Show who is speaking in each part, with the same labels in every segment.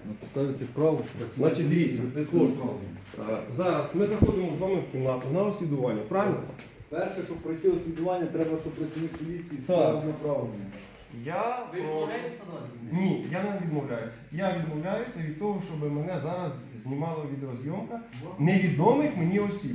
Speaker 1: На підставі цих прав
Speaker 2: Значить, дивіться, хлопці. Зараз ми заходимо з вами в кімнату на освідування, правильно?
Speaker 1: Перше, щоб пройти освідування, треба, щоб працівник поліції
Speaker 2: Так.
Speaker 1: склав направлення.
Speaker 2: Я
Speaker 3: Ви відмовляєтеся надати?
Speaker 2: Ні, я не відмовляюся. Я відмовляюся від того, щоб мене зараз знімала відеозйомка невідомих мені осіб.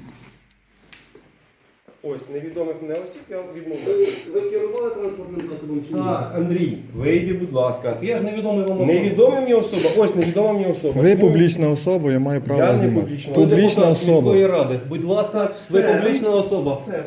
Speaker 2: Ось, невідомих мене осіб я відмовляюся.
Speaker 1: Ви керували транспортним засобом чи ні?
Speaker 2: Так, Андрій, вийди, будь ласка.
Speaker 1: Я ж невідомий вам особа.
Speaker 2: Невідома мені особа, ось невідома мені особа.
Speaker 4: Ви
Speaker 2: Чому?
Speaker 4: публічна особа, я маю право
Speaker 2: Я не
Speaker 4: знімати.
Speaker 2: публічна.
Speaker 4: Публічна
Speaker 1: Депутат
Speaker 4: особа.
Speaker 1: міської ради. Будь ласка, ви
Speaker 2: Все.
Speaker 1: публічна особа.
Speaker 2: Все.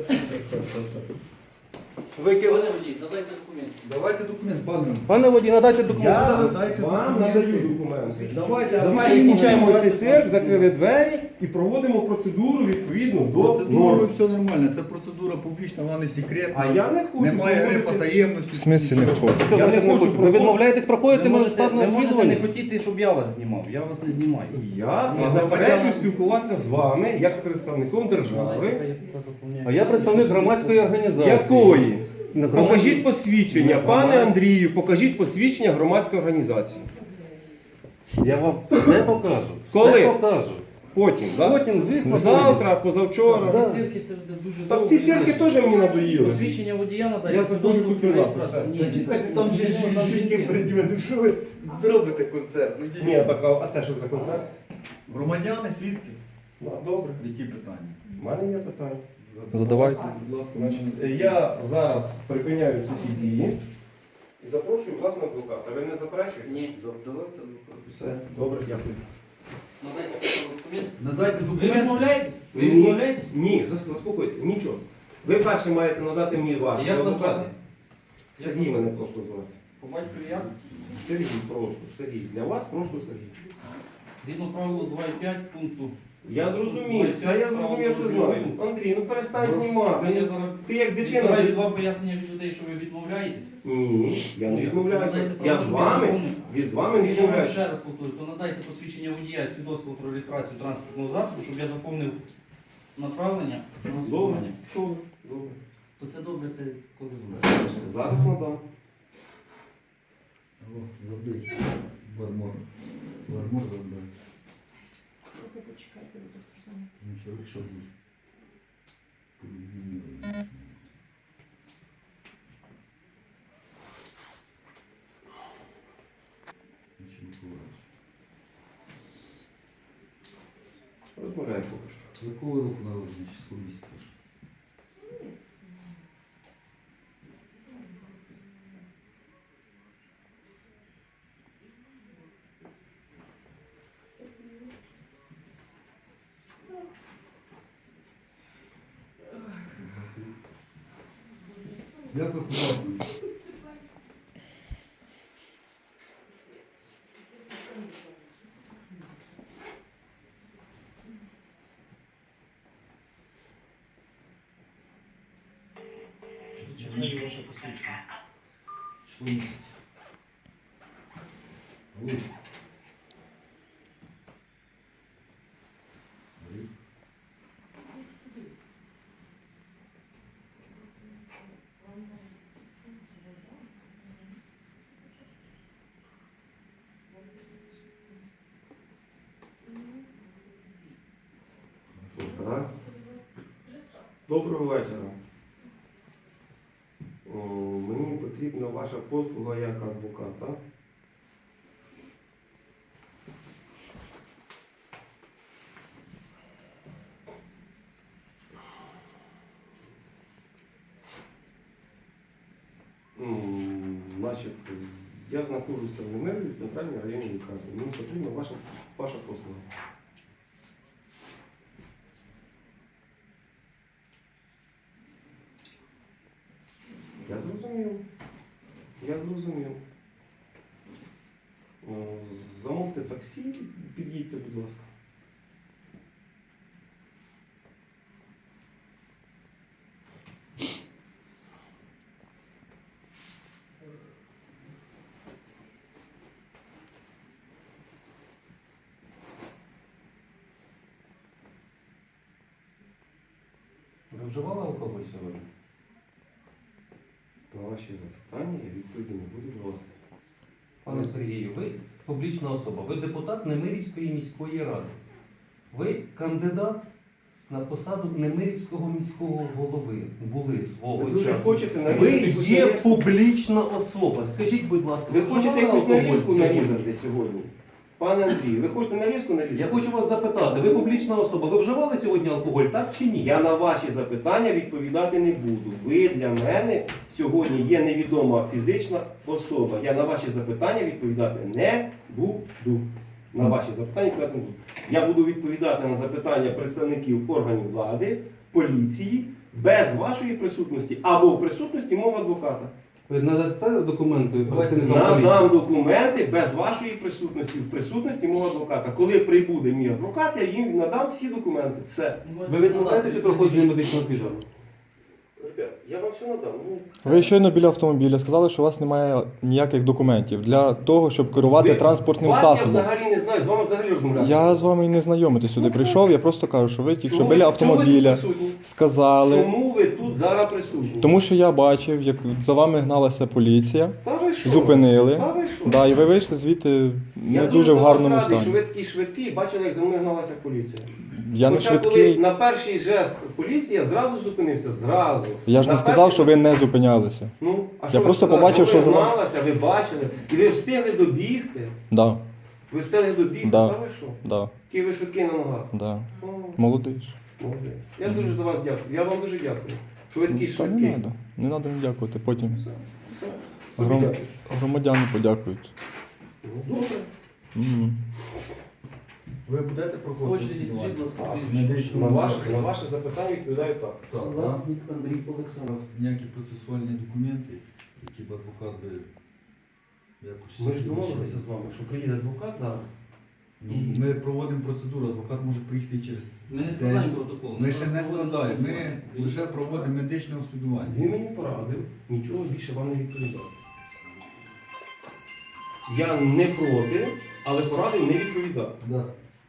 Speaker 2: Ви керуєте?
Speaker 3: Пане водій, задайте документи.
Speaker 1: Давайте документ, пане.
Speaker 2: Пане водій, надайте документи.
Speaker 1: Я
Speaker 2: Я вам надаю документи.
Speaker 1: Давайте,
Speaker 2: Давайте закінчаємо цей цирк, закрили двері і проводимо процедуру відповідно до
Speaker 1: Процедурою
Speaker 2: норм.
Speaker 1: все нормально. Це процедура публічна, вона не секретна.
Speaker 2: А я не хочу
Speaker 1: Немає грифа
Speaker 2: проводити-
Speaker 1: таємності.
Speaker 4: В смислі не хочу.
Speaker 2: Я не хочу
Speaker 1: Ви відмовляєтесь проходити
Speaker 3: Ви можете
Speaker 1: мажоритарне
Speaker 3: не
Speaker 1: розслідування?
Speaker 3: хотіти, щоб я вас знімав. Я вас не знімаю.
Speaker 2: Я
Speaker 1: А
Speaker 2: не заперечую
Speaker 1: громадяни-
Speaker 2: спілкуватися з вами як представником держави.
Speaker 1: А я представник громадської організації.
Speaker 2: Якої?
Speaker 1: На
Speaker 2: Покажіть посвідчення,
Speaker 1: На
Speaker 2: пане
Speaker 1: громад-
Speaker 2: Андрію, покажіть посвідчення громадської організації.
Speaker 1: Я вам все покажу.
Speaker 2: Коли?
Speaker 1: Все покажу.
Speaker 2: Потім, так?
Speaker 1: Потім, звісно,
Speaker 2: Завтра, позавчора.
Speaker 3: Ці цирки це дуже
Speaker 2: Так
Speaker 3: довго.
Speaker 2: ці цирки теж мені надоїли.
Speaker 3: Посвідчення водія надає.
Speaker 2: Я
Speaker 3: свідоцтво
Speaker 2: забув
Speaker 3: про
Speaker 2: купувати.
Speaker 3: реєстрацію. Ні,
Speaker 1: Чекайте, там ще
Speaker 3: там
Speaker 1: жінки
Speaker 3: жінки.
Speaker 1: переді мною. Що ви робите концерт? Ну, йдіть.
Speaker 2: Ні, так, а це що за концерт?
Speaker 1: Громадяни, свідки.
Speaker 2: Ну, добре.
Speaker 1: Які питання?
Speaker 2: У мене є питання.
Speaker 4: Задавайте.
Speaker 1: Будь ласка,
Speaker 2: Значить, я зараз припиняю ці всі дії і запрошую власного адвоката. Ви не заперечуєте?
Speaker 3: Ні.
Speaker 1: Давайте.
Speaker 2: Все, добре, дякую.
Speaker 3: Надайте документи.
Speaker 1: Надайте
Speaker 3: Ви
Speaker 1: документ.
Speaker 3: відмовляєтесь? Ви відмовляєтесь?
Speaker 2: Ні, заспокойтеся, нічого. Ви перше маєте надати мені вашого
Speaker 3: Як вас
Speaker 2: адвоката.
Speaker 3: звати?
Speaker 2: Сергій мене просто звати.
Speaker 3: По батькові як?
Speaker 2: Сергій просто, Сергій. Для вас просто Сергій.
Speaker 3: Згідно правилу 2.5 пункту.
Speaker 2: Я зрозумів, все я зрозумів, я все знаю. Андрій, ну перестань
Speaker 3: Я
Speaker 2: знімати.
Speaker 3: зараз
Speaker 2: Ти як
Speaker 3: відбираю
Speaker 2: дитина.
Speaker 3: від вас пояснення від людей, що ви відмовляєтесь.
Speaker 2: Ні, я не
Speaker 3: Ну,
Speaker 2: відмовляюся.
Speaker 3: надайте
Speaker 2: Я
Speaker 3: право,
Speaker 2: з
Speaker 3: щоб
Speaker 2: вами,
Speaker 3: законно.
Speaker 2: з вами не
Speaker 3: Я вам
Speaker 2: відмовляюся.
Speaker 3: ще раз повторю, то надайте посвідчення водія і свідоцтво про реєстрацію транспортного засобу, щоб я заповнив направлення на
Speaker 2: Добре,
Speaker 3: освідування.
Speaker 2: добре, добре.
Speaker 3: То це добре, це коли буде.
Speaker 2: Зараз надам.
Speaker 1: Алло, забий. Бармор. Бармор забий.
Speaker 5: Трохи почекайте, бо доктор зайнятий.
Speaker 1: Ну, чоловік, що буде? Нічого не буває.
Speaker 2: Розмовляю поки що.
Speaker 1: З якого року народження число місяця? Я тут правду.
Speaker 3: Чекаю ваше посвідчення.
Speaker 1: Число місяця. Алло. Алло.
Speaker 2: Так. Доброго вечора. Мені потрібна ваша послуга як адвоката. Значить, я знаходжуся в Немирі, в центральній районній лікарні. Мені потрібна ваша послуга. Я зрозумів. Я зрозумів. Замовте таксі, під'їдьте, будь ласка.
Speaker 1: Ви вживали алкоголь сьогодні?
Speaker 2: На ваші запитання я відповіді не буду давати.
Speaker 1: Пане Сергію, ви
Speaker 6: публічна особа. Ви депутат Немирівської міської ради. Ви кандидат на посаду Немирівського міського голови. Були свого
Speaker 2: Ви дуже
Speaker 6: часу.
Speaker 2: хочете
Speaker 6: Ви
Speaker 2: нарізати якусь
Speaker 6: є
Speaker 2: нарізку?
Speaker 6: публічна особа. Скажіть, будь ласка,
Speaker 2: Ви хочете
Speaker 6: вживали
Speaker 2: якусь
Speaker 6: алкоголь
Speaker 2: нарізку
Speaker 6: сьогодні?
Speaker 2: нарізати сьогодні? Пане Андрій, ви хочете нарізку нарізати?
Speaker 6: Я хочу вас запитати, ви публічна особа, ви вживали сьогодні алкоголь, так чи ні?
Speaker 2: Я на ваші запитання відповідати не буду. Ви для мене сьогодні є невідома фізична особа. Я на ваші запитання відповідати не буду. На ваші запитання відповідати не буду. Я буду відповідати на запитання представників органів влади, поліції, без вашої присутності або в присутності мого адвоката.
Speaker 6: Ви надасте документи працівникам поліції?
Speaker 2: Надам документи без вашої присутності, в присутності мого адвоката. Коли прибуде мій адвокат, я їм надам всі документи. Все.
Speaker 6: Ви відмовляєтеся від проходження медичного свідчення?
Speaker 2: Ребят, я вам все надам.
Speaker 4: Ви щойно біля автомобіля сказали, що у вас немає ніяких документів для того, щоб керувати транспортним
Speaker 2: Вас я
Speaker 4: засобом.
Speaker 2: взагалі не знаю, з вами взагалі розмовляти.
Speaker 4: Я з вами і не знайомити сюди прийшов, я просто кажу, що ви тільки що
Speaker 2: Чому
Speaker 4: біля
Speaker 2: ви- чому ви тут
Speaker 4: автомобіля
Speaker 2: присутні?
Speaker 4: сказали.
Speaker 2: Чому ви тут зараз присутні?
Speaker 4: Тому що я бачив, як за вами гналася поліція,
Speaker 2: Та ви що?
Speaker 4: зупинили.
Speaker 2: Та ви що?
Speaker 4: Да, і ви вийшли звідти
Speaker 2: Я
Speaker 4: не дуже в
Speaker 2: за вас
Speaker 4: гарному
Speaker 2: радий, що
Speaker 4: стані.
Speaker 2: ви такі швидкі, бачили, як за мною гналася поліція.
Speaker 4: Я не
Speaker 2: Хоча коли
Speaker 4: швидкий.
Speaker 2: на перший жест поліція зразу зупинився, зразу.
Speaker 4: Я ж
Speaker 2: На
Speaker 4: не сказав,
Speaker 2: перший-
Speaker 4: що ви не зупинялися.
Speaker 2: Ну, а
Speaker 4: Я
Speaker 2: що ви
Speaker 4: просто
Speaker 2: сказали?
Speaker 4: побачив,
Speaker 2: ви
Speaker 4: що за вами-
Speaker 2: гналася, ви бачили, і ви встигли добігти.
Speaker 4: Да,
Speaker 2: Ви встигли добігти,
Speaker 4: Да.
Speaker 2: та ви що?
Speaker 4: да,
Speaker 2: Який ви швидкий на ногах.
Speaker 4: да.
Speaker 2: О,
Speaker 4: Молодий ж.
Speaker 2: молодець. Я дуже за вас дякую. Я вам дуже дякую, що ви такий
Speaker 4: Та
Speaker 2: швидкий.
Speaker 4: не треба. Не треба мені дякувати. Потім
Speaker 2: Все, все.
Speaker 4: Гром-
Speaker 2: Дякую.
Speaker 4: громадяни подякують.
Speaker 2: Ну, добре.
Speaker 4: Мгм.
Speaker 7: Ви будете проходити?
Speaker 3: Хочете, скажіть, будь ласка,
Speaker 2: Так,
Speaker 3: прізвище.
Speaker 2: на ваше запитання відповідаю так.
Speaker 7: Так, так.
Speaker 3: Латник Андрій
Speaker 7: У
Speaker 3: Олександрович.
Speaker 7: вас ніякі процесуальні документи, які б адвокат би якось...
Speaker 2: Ми ж домовилися з вами, що приїде адвокат зараз.
Speaker 7: Ну, ми проводимо процедуру, адвокат може приїхати через...
Speaker 3: Ми не складаємо протокол.
Speaker 7: Ми ще не
Speaker 3: просто проводимо
Speaker 7: складаємо, ми
Speaker 3: слухання.
Speaker 7: лише проводимо медичне освідування.
Speaker 2: Він мені порадив, нічого більше вам не відповідав. Я не проти, але порадив не відповідати.
Speaker 7: Да.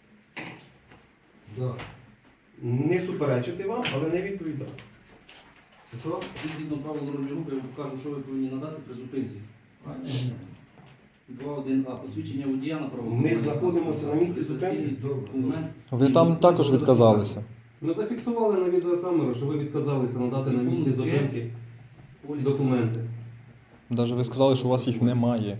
Speaker 7: Да.
Speaker 2: Не суперечити вам, але не відповідати.
Speaker 3: Що? Згідно правил дорожнього руху, я вам покажу, що ви повинні надати при зупинці.
Speaker 7: А, ні.
Speaker 3: 2.1а. Посвідчення водія на право.
Speaker 2: Ми знаходимося на місці зупинки.
Speaker 3: Документ.
Speaker 4: Ви там також відказалися.
Speaker 6: Ми зафіксували на відеокамеру, що ви відказалися надати на місці зупинки документи.
Speaker 4: Навіть ви сказали, що у вас їх немає.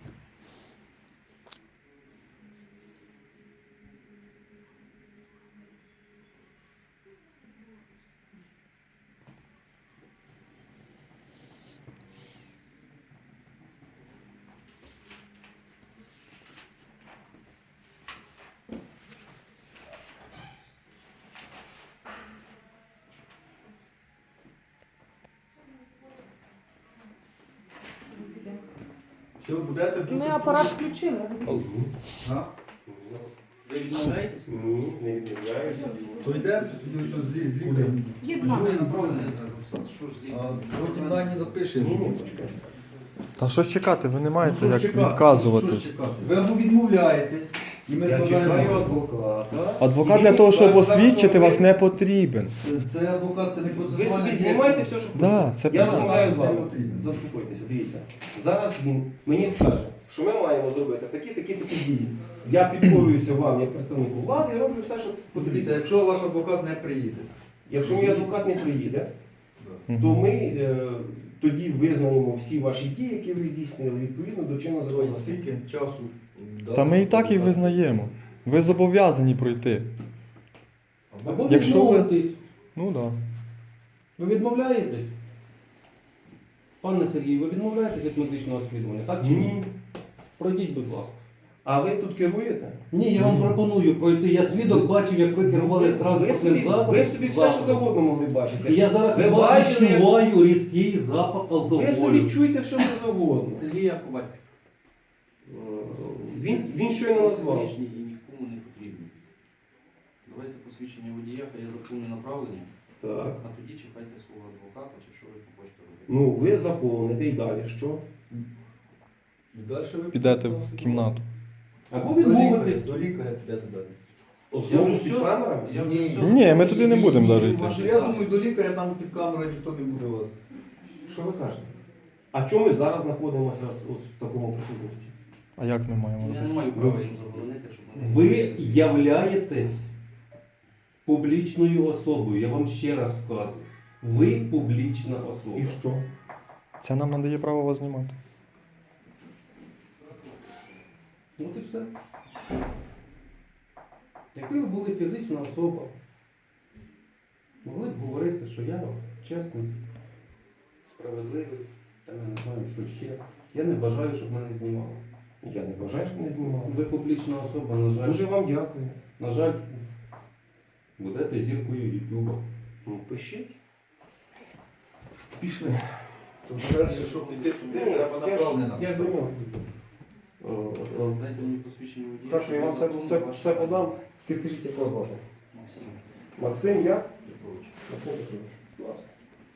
Speaker 7: Все, будете тут?
Speaker 5: Ми апарат включили.
Speaker 7: А?
Speaker 3: Ви відмовляєтесь?
Speaker 2: Ні, не відмовляюся.
Speaker 7: То йдемо, тоді все з лікарем.
Speaker 5: Є знак.
Speaker 3: Направлення треба записати. Що ж з
Speaker 7: А
Speaker 3: лікарем?
Speaker 7: потім дані напишемо.
Speaker 2: Ні, почекайте.
Speaker 4: Та що ж чекати, ви не маєте
Speaker 7: Ну, що
Speaker 4: як
Speaker 7: ж чекати?
Speaker 4: відказуватись.
Speaker 7: Що ж чекати? Ви або відмовляєтесь, і ми
Speaker 2: Я чекаю
Speaker 7: складаємо.
Speaker 2: адвоката.
Speaker 4: Адвокат
Speaker 2: І
Speaker 4: для
Speaker 2: він
Speaker 4: того, щоб
Speaker 2: сказав,
Speaker 4: освідчити
Speaker 2: що
Speaker 4: вас,
Speaker 2: ви-
Speaker 4: не потрібен.
Speaker 7: Це адвокат, це не
Speaker 2: Ви
Speaker 7: процесуальний.
Speaker 2: собі знімаєте все, що
Speaker 4: Да,
Speaker 2: хочете.
Speaker 4: це
Speaker 2: Я
Speaker 4: правда.
Speaker 2: розмовляю з вами.
Speaker 7: Не потрібно.
Speaker 2: Заспокойтеся, дивіться. Зараз він мені скаже, що ми маємо зробити такі дії. Я підкорююся вам як представнику влади і роблю все, що
Speaker 7: Подивіться,
Speaker 2: потрібно.
Speaker 7: якщо ваш адвокат не приїде.
Speaker 2: Якщо мій адвокат не приїде,
Speaker 4: Мгм.
Speaker 2: то ми тоді визнаємо всі ваші дії, які ви здійснили, відповідно до чинного
Speaker 7: То
Speaker 2: законодавства.
Speaker 7: скільки часу?
Speaker 4: Та ми і так їх визнаємо. Ви зобов'язані пройти.
Speaker 6: Або
Speaker 4: Якщо ви-
Speaker 6: відмовитись.
Speaker 4: Ну так. Да.
Speaker 6: Ви відмовляєтесь? Пане Сергій, ви відмовляєтесь від медичного освідування, так чи ні?
Speaker 2: Ні.
Speaker 6: Пройдіть, будь ласка.
Speaker 2: А ви тут керуєте?
Speaker 6: Ні, я вам пропоную пройти. Я свідок бачив, як ви керували
Speaker 2: Ви
Speaker 6: транспортним засобом.
Speaker 2: ви собі все, що завгодно могли бачити.
Speaker 6: І я зараз
Speaker 2: Ви
Speaker 6: від вас
Speaker 2: бачили, як-
Speaker 6: відчуваю різкий запах
Speaker 2: Ви
Speaker 6: алкоголю.
Speaker 2: собі чуєте все, що завгодно.
Speaker 3: Сергій Яковать.
Speaker 2: Він щойно назвав.
Speaker 3: Лишній і нікому не потрібний. Давайте посвідчення водія, хай я заповню направлення,
Speaker 2: Так.
Speaker 3: а тоді чекайте свого адвоката, чи що ви хочете робити.
Speaker 2: Ну, ви заповните і далі що?
Speaker 7: І далі ви
Speaker 4: Підете в кімнату.
Speaker 6: Або
Speaker 7: До лікаря,
Speaker 6: відмовитись.
Speaker 7: до лікаря підете далі.
Speaker 2: Знову
Speaker 3: вже
Speaker 2: ж під
Speaker 3: все-
Speaker 2: камерами?
Speaker 3: Я вже
Speaker 7: Ні.
Speaker 3: все
Speaker 4: Ні, ми
Speaker 3: заповнив,
Speaker 4: туди не
Speaker 3: і
Speaker 4: будемо
Speaker 3: мені
Speaker 4: даже йти.
Speaker 3: ваші
Speaker 7: Я
Speaker 3: дані.
Speaker 7: думаю, до лікаря там під камерою ніхто не буде вас.
Speaker 2: Що ви кажете? А чому ми зараз знаходимося в такому присутності?
Speaker 4: А як ми маємо
Speaker 3: Я не
Speaker 4: робити?
Speaker 3: маю права їм заборонити, щоб вони...
Speaker 6: Ви являєтесь публічною особою, я вам ще раз вказую. Ви публічна особа.
Speaker 2: І що?
Speaker 4: Це нам надає право вас знімати.
Speaker 6: От і все. Якби ви були фізична особа, могли б говорити, що я чесний, справедливий, та я не знаю, що ще. Я не бажаю, щоб мене знімали.
Speaker 2: Я не бажаю, щоб не знімав.
Speaker 6: Ви публічна особа, на жаль.
Speaker 2: Дуже вам дякую.
Speaker 6: На жаль, будете зіркою Ютуба.
Speaker 2: Ну, пишіть.
Speaker 7: Пішли. То перше, щоб піти туди, треба направлення
Speaker 2: Я
Speaker 7: написати.
Speaker 2: знімав.
Speaker 3: Дайте мені посвідчення водія.
Speaker 2: Так що я вам все подам. Тільки скажіть, як вас звати?
Speaker 3: Максим.
Speaker 2: Максим, я?
Speaker 3: Петрович.
Speaker 2: Максим Петрович. Будь ласка.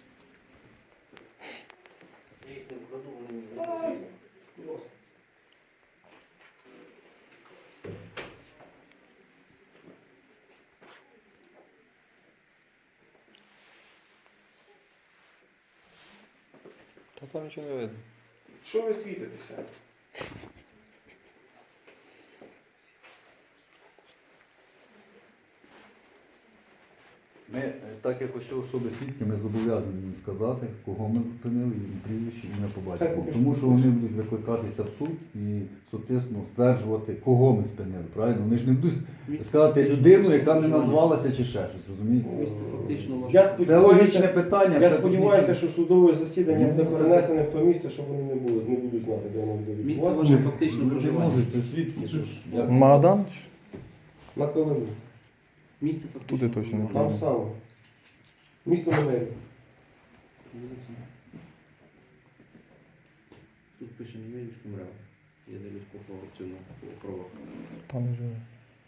Speaker 3: Я їх не вкладу, вони мені не потрібні.
Speaker 2: Будь ласка.
Speaker 4: Та там нічого не видно.
Speaker 2: Що ви світитеся?
Speaker 7: Ми, так як ось особи свідки, ми зобов'язані їм сказати, кого ми зупинили, їм прізвище, ім'я по
Speaker 2: Так,
Speaker 7: батькові.
Speaker 2: поки
Speaker 7: Тому
Speaker 2: що.
Speaker 7: що вони будуть викликатися в суд і, соответственно, стверджувати, кого ми спинили. Правильно? Вони ж не будуть сказати людину, яка не назвалася чи ще щось, розумієте?
Speaker 3: Місце фактично ваше.
Speaker 2: Я
Speaker 7: Це
Speaker 2: сподіваюся,
Speaker 7: логічне питання.
Speaker 2: я
Speaker 7: це
Speaker 2: сподіваюся,
Speaker 7: тут
Speaker 2: що судове засідання буде
Speaker 7: Ну, це-
Speaker 2: перенесене в то місце, щоб вони не будуть знати, де воно буде
Speaker 3: Місце
Speaker 2: відбуватися.
Speaker 3: ваше фактично
Speaker 7: нічого. Не
Speaker 3: проживання.
Speaker 7: може, це свідки. Що ж, як?
Speaker 4: Магадан?
Speaker 2: На Колимі.
Speaker 3: Місце фактично
Speaker 4: Туди точно не
Speaker 3: проживання.
Speaker 2: Там саме. Місто Менелі.
Speaker 3: Дивіться. Тут пише Немирівський МРЕВ. Я дивлюсь по цьому по правах.
Speaker 4: Там не живе.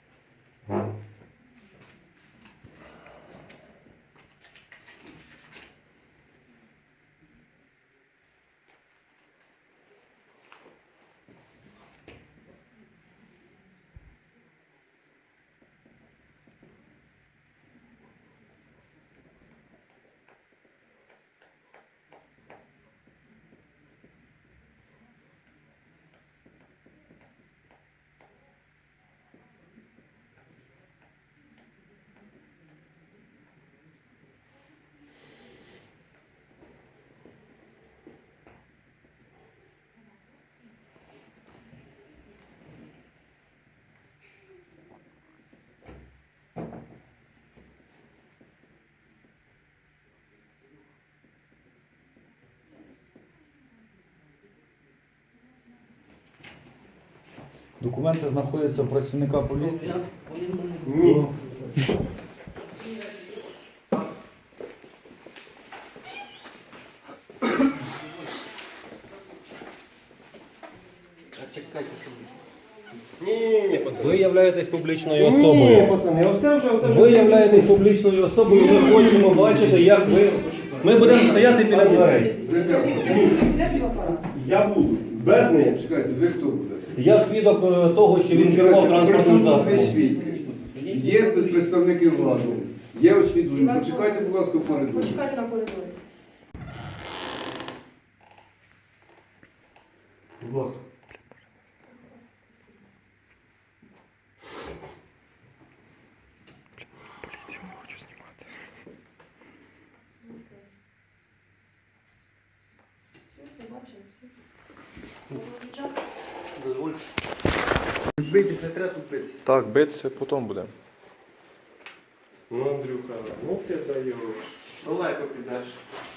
Speaker 7: Документи знаходяться у працівника поліції.
Speaker 3: Вони в мене
Speaker 2: Ні.
Speaker 3: чекайте, що
Speaker 2: Ні, пацани.
Speaker 6: Ви являєтесь публічною
Speaker 2: Ні,
Speaker 6: особою.
Speaker 2: пацани, оце вже.
Speaker 6: Ви являєтесь публічною особою, ми хочемо бачити, як ви. Ми будемо стояти біля дверей.
Speaker 5: Скажіть, де апарат?
Speaker 2: Я буду. Без неї.
Speaker 8: Чекайте, ви хто буде?
Speaker 6: Я свідок того, що він керував транспортним
Speaker 8: Весь
Speaker 6: засобом.
Speaker 8: світ. Є представники влади, є освідування. Почекайте, будь ласка, в коридорі.
Speaker 5: Почекайте на коридорі.
Speaker 2: Будь ласка.
Speaker 4: Поліцію не хочу знімати.
Speaker 5: Все, побачили, все.
Speaker 3: дозвольте.
Speaker 7: Битись не треба тут битись.
Speaker 4: Так, битися потім буде.
Speaker 2: Ну, Андрюха, ну ти даєш. Далеко підеш.